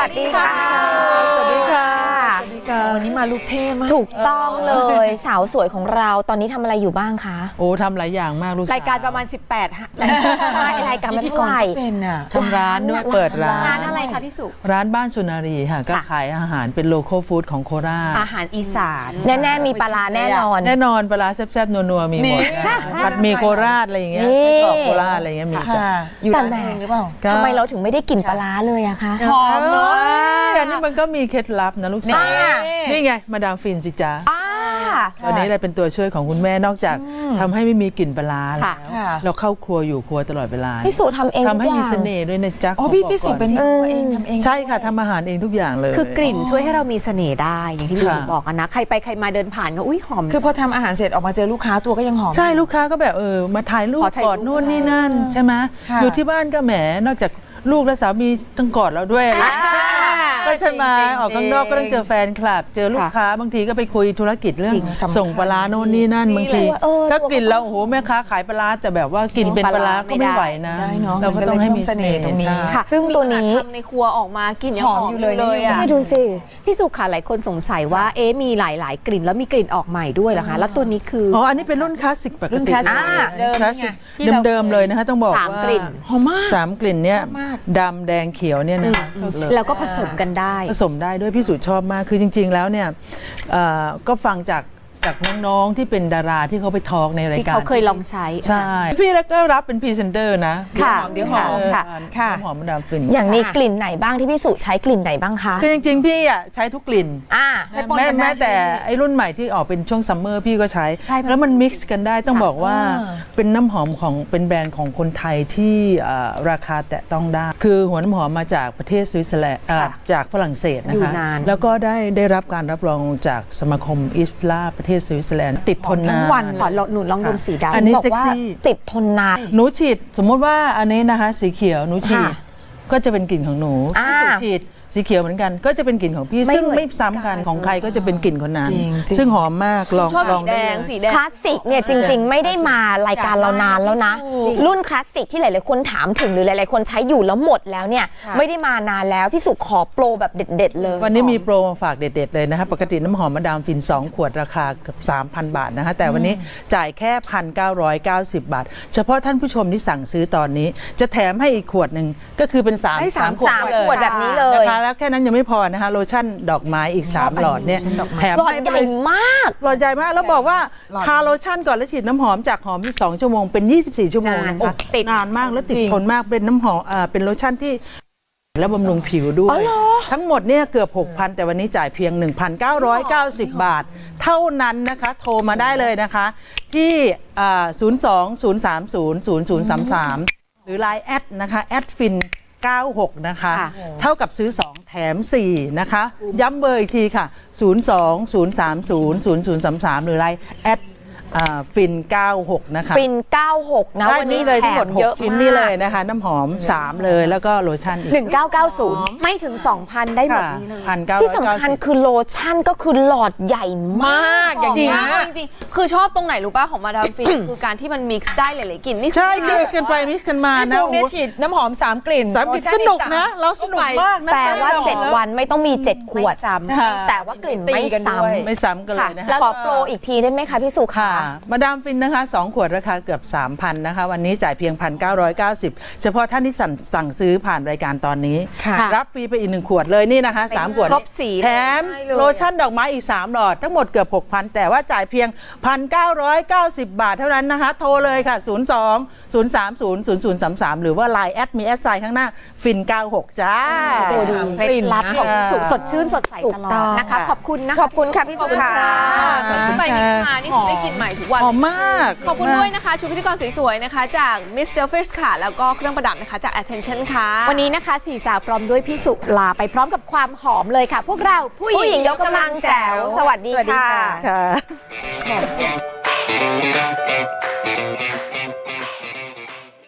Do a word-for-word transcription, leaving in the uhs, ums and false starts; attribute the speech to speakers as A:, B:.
A: ดีค่ะ
B: สวัสดีค่ะสวัสดีค่ะ
A: วันนี้มาลุคเท่มาก
C: ถูกต้องเลยสาวสวยของเราตอนนี้ทำอะไรอยู่บ้างคะ
B: โอ้ทำหลายอย่างมากลูก
A: รายการประมาณสิบแปดฮะ
C: รายการมันเท่าไหร่
A: เป็นอ่ะ
B: ทำร้านด้วยเปิดร้าน
A: ร้านอะไรคะพี่สุ
B: ร้านบ้านสุนารีค่ะก็ขายอาหารเป็นโลคอลฟู้ดของโคราช
A: อาหารอีสาน
C: แน่ๆมีปลาแน่นอน
B: แน่นอนปลาแซ่บๆนัวๆมีหมดผัดมีโคราชอะไรอย่างเงี้ยไส้กรอกโคราชอะไรเงี้ยมีจ้ะ
A: อยู่ร้านเองหรือเปล่า
C: ทำไมเราถึงไม่ได้กลิ่นปลาเลยอะคะ
A: หอมเนาะ
B: อันนี้มันก็มีเคล็ดลับนะลูกสาวนี่ไงมาดามฟินสิจ๊ะตัวนี้เลยเป็นตัวช่วยของคุณแม่นอกจากทำให้ไม่มีกลิ่นปลาแล้วเราเข้าครัวอยู่ครัวตลอดเวลา
C: พี่สุทำเอง
B: ทำให้มีเสน่ห์ด้วยนะจ๊ะ
A: อ๋อพี่พี่สุเป็นเองทำเอง
B: ใช่ค่ะทำอาหารเองทุกอย่างเลย
A: คือกลิ่นช่วยให้เรามีเสน่ห์ได้อย่างที่พี่สุบอกนะใครไปใครมาเดินผ่านก็อุ้ยหอม
D: คือพอทำอาหารเสร็จออกมาเจอลูกค้าตัวก็ยังหอม
B: ใช่ลูกค้าก็แบบเออมาถ่ายรูปกอดนู่นนี่นั่นใช่ไหมอยู่ที่บ้านก็แหมนอกจากลูกและสามีต้องกอดเราด้วยก็ใช่ไหมออกข้างนอกก็ต้องเจอแฟนคลับเจอลูกค้าบางทีก็ไปคุยธุรกิจเรื่องส่งปลาโน่นนี่นั่นบางทีถ้ากลิ่นแล้วโอ้โหแม่ค้าขายปลาแต่แบบว่ากินเป็นปลาก็ไม่ไหวนะเราก็ต้องให้มีเสน่ห์ตรงนี้
C: ค่ะซึ่งตัวนี้
E: ทำในครัวออกมากลิ่นยังหอมอยู่เลยอ่ะ
C: ไม่ดูสิ
A: พี่สุขาหลายคนสงสัยว่าเอ๊ะมีหลายๆกลิ่นแล้วมีกลิ่นออกใหม่ด้วยเหรอคะแล้วตัวนี้คือ
B: อ๋ออันนี้เป็นรุ่นคลาสสิกปกติคลาสสิกเดิมๆเลยนะคะต้องบอกว่า
A: สามกลิ่น
B: หอมมากสามกลิ่นเนี้ยดำแดงเขียวเนี่ยนะ
A: แล้วก็ผสมกันได้
B: ผสมได้ด้วยพี่สุชอบมากคือจริงๆแล้วเนี่ยก็ฟังจากจากน้องๆที่เป็นดาราที่เขาไปทอล์กในรายการ
A: ที่เขาเคยลองใช้
B: ใช่พี่แล้วก็รับเป็นพรีเซนเตอร์นะ
A: ค่ะเดี๋ยวหอมค่ะ
B: ค่ะหอมมาดามฟิน
C: อย่างนี้กลิ่นไหนบ้างที่พี่สุใช้กลิ่นไหนบ้างคะ
B: คือจริงๆพี่อ่ะใช้ทุกกลิ่น
C: อ่า
B: แม้แม้แต่ไอ้รุ่นใหม่ที่ออกเป็นช่วงซัมเมอร์พี่ก็ใช้แล้วมันมิกซ์กันได้ต้องบอกว่าเป็นน้ำหอมของเป็นแบรนด์ของคนไทยที่ราคาแตะต้องได้คือหัวน้ำหอมมาจากประเทศสวิตเซอร์แลนด์จากฝรั่งเศสนะคะแล้วก็ได้ได้รับการรับรองจากสมาคมอิสลาประเทศสวิตเซอร์แลนด์ติดทนนาน
A: วันขอหนูลองดมสีดำ
B: อันนี้เซ็กซี่
C: ติดทนนาน
B: หนูฉีดสมมติว่าอันนี้นะคะสีเขียวหนูฉีดก็จะเป็นกลิ่นของหนูพี่สุฉีดสีเขียวเหมือนกันก็จะเป็นกลิ่นของพี่ซึ่งไม่ซ้ำกันของใครก็จะเป็นกลิ่นคนนั้นซึ่งหอมมากลองลอง
E: แดงสีแดง
C: คลาสสิกเนี่ยจริงๆไม่ได้มารายการเรานานแล้วนะรุ่นคลาสสิกที่หลายๆคนถามถึงหรือหลายๆคนใช้อยู่แล้วหมดแล้วเนี่ยไม่ได้มานานแล้วพี่สุขอโปรแบบเด็ดๆเลย
B: วันนี้มีโปรมาฝากเด็ดๆเลยนะคะปกติน้ำหอมมาดามฟินสองขวดราคาเกือบ สามพัน บาทนะคะแต่วันนี้จ่ายแค่ หนึ่งพันเก้าร้อยเก้าสิบ บาทเฉพาะท่านผู้ชมที่สั่งซื้อตอนนี้จะแถมให้อีกขวดหนึ่งก็คือเป็น3 3ขวด
C: แบบนี้เลย
B: นะคะแล้วแค่นั้นยังไม่พอนะคะโลชั่นดอกไม้อีกสามหลอดเนี่ยแถม
C: หลอดใหญ่มาก
B: หลอดใหญ่มากแล้วบอกว่าทาโลชั่นก่อนแล้วฉีดน้ำหอมจากหอมสองชั่วโมงเป็นยี่สิบสี่ชั่วโมงนะคะนานมากแล้วติดทนมากเป็นน้ำหอมเป็นโลชั่นที่แล้วบำรุงผิวด้วยทั้งหมดเนี่ยเกือบ หกพัน แต่วันนี้จ่ายเพียง หนึ่งพันเก้าร้อยเก้าสิบ บาทเท่านั้นนะคะโทรมาได้เลยนะคะที่ศูนย์ สอง ศูนย์ สาม ศูนย์ ศูนย์ ศูนย์ สาม สามหรือ ไลน์ แอดนะคะแอดฟินเก้าหกนะคะเท่ากับซื้อสองแถมสี่นะคะย้ำเบอร์อีกทีค่ะศูนย์ สอง ศูนย์ สาม ศูนย์ ศูนย์ ศูนย์ สาม สามหรือ ไลน์ แอดฟินเก้าหกนะคะ
C: ฟินเก้าหกนะ
B: วันนี้เลยทั้งหมดหกชิ้นนี่เลยนะคะน้ำหอมสามเลยแล้วก็โลชั่นอีก
C: หนึ่งพันเก้าร้อยเก้าสิบ
A: ไม่ถึง สองพัน ได้หมดนี้เลย
C: ที่สำคัญคือโลชั่นก็คือหลอดใหญ่มาก
E: อย่างนี้จริงๆคือชอบตรงไหนรู้ป่ะของมาดามฟินคือการที่มันมิกซ์ได้หลายๆกลิ่นนี่
B: ใช่มิกซ์กันไปมิกซ์กันมานะ
D: พวกนี้ฉีดน้ำหอมสามกลิ่น
B: สามกลิ่นสนุกนะเราสนุกมากนะ
C: แปลว่าเจ็ดวันไม่ต้องมีเจ็ดขวดแต่ว่ากลิ่นไม่ซ้ำ
B: ไม่ซ้ำกันเลยนะคะ
C: ขอโปรอีกทีได้ไหมคะพี่สุค่ะ
B: มาดามฟินนะคะสองขวดราคาเกือบ สามพัน นะคะวันนี้จ่ายเพียง หนึ่งพันเก้าร้อยเก้าสิบ เฉพาะท่านที่สั่งสั่งซื้อผ่านรายการตอนนี้รับฟรีไปอีกหนึ่งขวดเลยนี่นะคะสามขวด
A: ครบสี
B: แถมโลชั่นดอกไม้อีกสามหลอดทั้งหมดเกือบ หกพัน แต่ว่าจ่ายเพียง หนึ่งพันเก้าร้อยเก้าสิบ บาทเท่านั้นนะคะโทรเลยค่ะศูนย์ สอง ศูนย์ สาม ศูนย์ ศูนย์ ศูนย์ สาม สามหรือว่า ไลน์ แอดมีแอดไซน์ข้างหน้าฟินเก้าหกจ้า
A: เคล็ดลับของสุขสดชื่นสดใสตลอดนะคะขอบคุณนะ
C: ขอบคุณค่ะพี่สุค่ะ
E: ที่ไปมิมานี่ผมได้กินใหม่ทุกวัน
B: หอมมาก
E: ขอบคุณด้วยนะคะชุดพิธีกรสวยๆนะคะจาก มิส Selfish ค่ะแล้วก็เครื่องประดับนะคะจาก Attention ค่ะ
A: วันนี้นะคะสี่สาวพร้อมด้วยพี่สุลาไปพร้อมกับความหอมเลยค่ะพวกเรา
C: ผู้หญิงยกกำลังแจ๋วสวัสดีค่ะ
B: ค่ะ
C: หอมจริง